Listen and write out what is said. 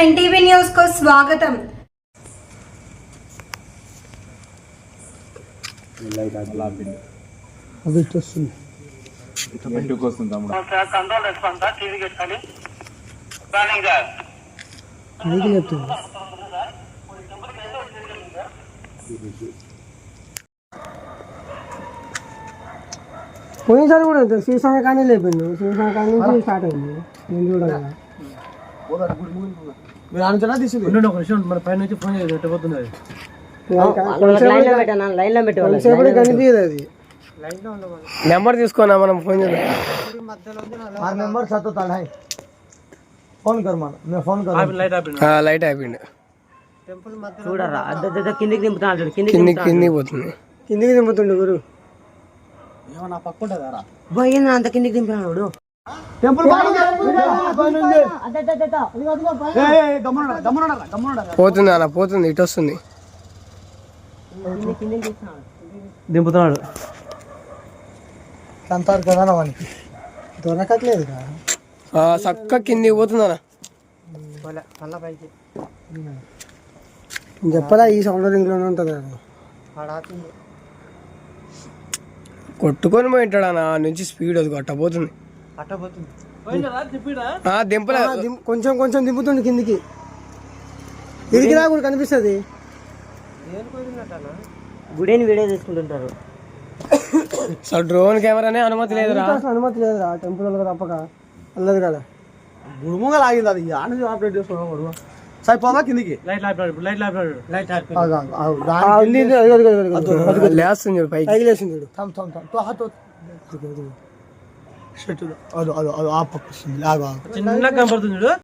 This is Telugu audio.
ఎన్టీవీ న్యూస్ को स्वागतम। పోయినసారి కూడా శ్రీశంగ కానీ లేపిండు, శ్రీశంగ కానీ నుంచి స్టార్ట్ అయింది. నేను చూడాలి మన పైన నుంచి ఫోన్ పెట్టబోతున్నది కనిపించదు. అది నెంబర్ తీసుకున్నా మనం ఫోన్ చేద్దాం. లైట్ అయిపోయింది. చూడరా కిందికి దింపుతున్నాడు, కిందికి పోతుంది. కిందికి దింపుతుండే గురు అంత కిందికి దింపుతున్నాడు. పోతుంది అలా పోతుంది, ఇటు వస్తుంది, దింపుతున్నాడు. అంటారు కదా వానికి దొరకట్లేదు. చక్క కిందికి పోతుంది అన్న. చెప్పదా ఈ సౌండ్ రింగ్లోనే ఉంటుంది కదా. కొట్టుకొని పోయింటాడు అన్న, నుంచి స్పీడ్ అది కొట్టబోతుంది. దింపలే, కొంచెం కొంచెం దింపుతుండే కిందికి. ఇదికి రా కూడా కనిపిస్తుంది. గుడిని వీడియో తీసుకుంటుంటారు. అసలు డ్రోన్ కెమెరానే అనుమతి లేదురా, అనుమతి లేదురా టెంపుల్ తప్పక వెళ్ళదు కదా. గుడుముగా లాగింది అది, ఆపరేట్ చేసుకున్నాం. సరిపోదా కిందికి లేస్తుంది పైకి లేస్తుంది. చిన్నగా కనపడుతుంది.